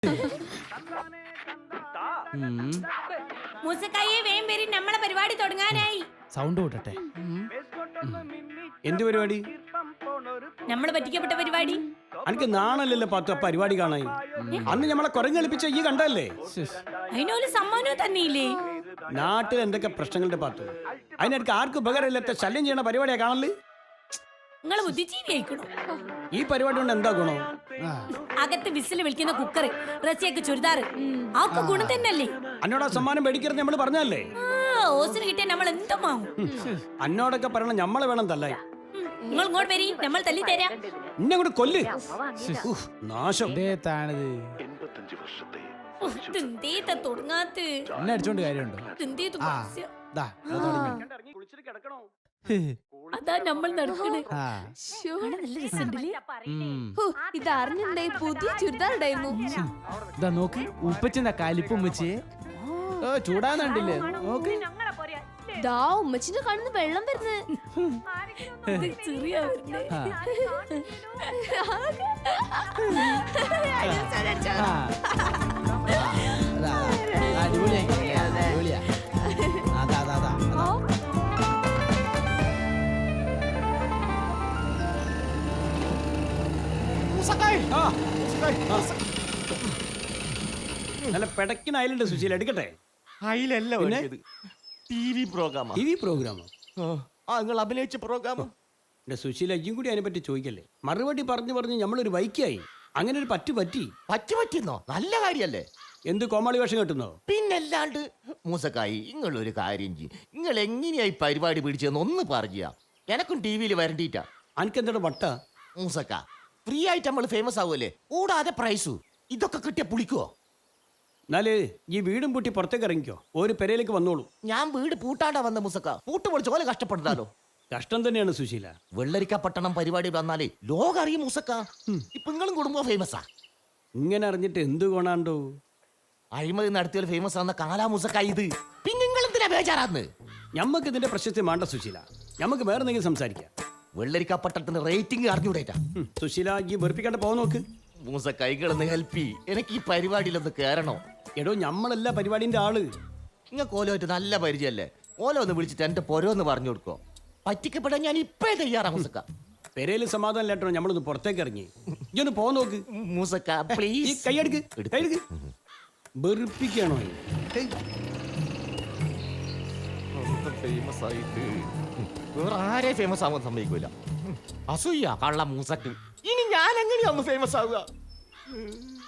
മൂസക്കായെ വേം വരി, നമ്മളെ പരിപാടി തുടങ്ങാനായി. സൗണ്ട് കൂട്ടട്ടെ. എന്ത് പരിപാടി? നമ്മള് പറ്റിക്കപ്പെട്ട പരിപാടി. എനിക്ക് നാണല്ലല്ലോ പത്ത് പരിപാടി കാണാൻ. അന്ന് നമ്മളെ കുരങ്ങ് കളിപ്പിച്ച ഈ കണ്ടല്ലേ? അതിനൊരു സമ്മാനവും തന്നെയില്ലേ? നാട്ടിൽ എന്തൊക്കെ പ്രശ്നങ്ങളുടെ പാത്തു. അതിനെനിക്ക് ആർക്കും ഉപകാരമില്ലാത്ത ശല്യം ചെയ്യണ പരിപാടിയാ കാണല്. നിങ്ങള് ബുദ്ധിജീവി ആയിക്കണോ? ഈ പരിപാടി കൊണ്ട് എന്താ ഗുണം? അകത്ത് വിസിൽ വിളിക്കുന്ന കുക്കർ, റസിയൊക്കെ ചുരിദാറ്, ആക്കെ ഗുണം തന്നെയല്ലേ? അന്നോട് ആ സമ്മാനം മേടിക്കരുത് നമ്മൾ പറഞ്ഞല്ലേ? ഓസിന് കിട്ടിയ നമ്മൾ എന്തും വാങ്ങും. അന്നോടൊക്കെ പറയണം ഞമ്മളെ വേണം തല്ലായി. നിങ്ങൾ ഇങ്ങോട്ട് വരി, നമ്മൾ തല്ലി തരാം. ഇന്നെ കൂടെ കൊല്ല്. നാശം. തുടങ്ങാത്ത എന്നെ അടിച്ചോണ്ട് കാര്യമുണ്ടോ? അതാ നമ്മൾ നടക്കണേ. ഇതറിഞ്ഞിട്ടുണ്ടേ പുതിയ ചുരിദാർ ഉണ്ടായിരുന്നു. ഇതാ നോക്ക്, ഉപ്പച്ചെന്താ കലിപ്പും വെച്ച് ചൂടാന്നുണ്ടില്ലേ? നോക്ക്, ദാ ഉമ്മച്ചിന്റെ കണ്ണിന്ന് വെള്ളം വരുന്നത്. നല്ല പെടക്കിന് അയലുണ്ട് സുശീല, എടുക്കട്ടെ? അയിലല്ല ടിവി പ്രോഗ്രാമാ. ടിവി പ്രോഗ്രാമോ? നിങ്ങൾ അഭിനയിച്ച പ്രോഗ്രാം. എന്റെ സുശീല, ഇയും കൂടി അതിനെ പറ്റി ചോദിക്കല്ലേ? മറുപടി പറഞ്ഞു നമ്മളൊരു വൈക്കായി. അങ്ങനെ ഒരു പറ്റിയെന്നോ? നല്ല കാര്യല്ലേ? എന്ത് കോമാളി വേഷം കെട്ടുന്നോ? പിന്നല്ലാണ്ട്. മൂസക്കായി, നിങ്ങളൊരു കാര്യം ചെയ്യും. നിങ്ങൾ എങ്ങനെയായി പരിപാടി പിടിച്ചതെന്ന് ഒന്ന് പറഞ്ഞാ എനക്കും ടിവിയിൽ വരണ്ടിട്ടാ. അനക്കെന്താ വട്ട? മൂസക്ക, ഫ്രീ ആയിട്ട് നമ്മൾ ഫേമസ് ആവുമല്ലേ? കൂടാതെ പ്രൈസു ഇതൊക്കെ കിട്ടിയ പുളിക്കോ? എന്നാല് ഈ വീടും പൂട്ടി പുറത്തേക്ക് ഇറങ്ങിക്കോ, ഒരു പെരയിലേക്ക് വന്നോളൂ. ഞാൻ വീട് പൂട്ടാണ്ടാ വന്ന മൂസക്ക. പൂട്ട് പൊളിച്ച് പോലെ കഷ്ടപ്പെട്ടാലോ? കഷ്ടം തന്നെയാണ് സുശീല. വെള്ളരിക്ക പട്ടണം പരിപാടി വന്നാലേ ലോകം അറിയും മൂസക്ക. ഇപ്പൊ നിങ്ങളും കുടുംബം ഫേമസാ. ഇങ്ങനെ അറിഞ്ഞിട്ട് എന്ത് കൊണാണ്ടോ? അഴിമതി നടത്തിയ ഫേമസ് ആവുന്ന കാലാ മൂസക്ക ഇത്. പിന്നെ നിങ്ങൾ എന്തിനാ ബേജാറാന്ന്? ഞമ്മക്ക് ഇതിന്റെ പ്രശസ്തി വേണ്ട സുശീല. ഞമ്മക്ക് വേറെ എന്തെങ്കിലും സംസാരിക്കാം. വെള്ളരിക്ക പട്ടണത്തിന് റേറ്റിംഗ് അറിഞ്ഞൂടേറ്റാ. സുശീല, ഈ വെറുപ്പിക്കാണ്ട് പോകാൻ നോക്ക്. മൂസ കൈകളൊന്ന് ഹെൽപ്പ്. എനിക്ക് ഈ പരിപാടിയിലൊന്ന് കേറണോ? എടോ, ഞമ്മളല്ല പരിപാടിന്റെ ആള്. നിങ്ങൾക്ക് ഓലോയിട്ട് നല്ല പരിചയല്ലേ? ഓലോ ഒന്ന് വിളിച്ചിട്ട് എന്റെ പൊരോന്ന് പറഞ്ഞു കൊടുക്കോ? പറ്റിക്കപ്പെടാൻ ഞാൻ ഇപ്പഴേ തയ്യാറാ മൂസക്ക. പെരയില് സമാധാനം ഇല്ലാട്ടോ നമ്മളൊന്ന് പുറത്തേക്ക് ഇറങ്ങി. ഇതൊന്ന് പോകാൻ നോക്ക്. മൂസക്ക ഈ പ്ലീസ്. കൈയെടുക്ക്. വെറുപ്പിക്കാണോ? ഫേമസ് ആയിട്ട് വേറെ ആരെ ഫേമസ് ആവാൻ സമ്മതിക്കൂല. അസൂയ കള്ള മൂസക്ക്. ഇനി ഞാൻ എങ്ങനെയാ ഒന്ന് ഫേമസ് ആവുക?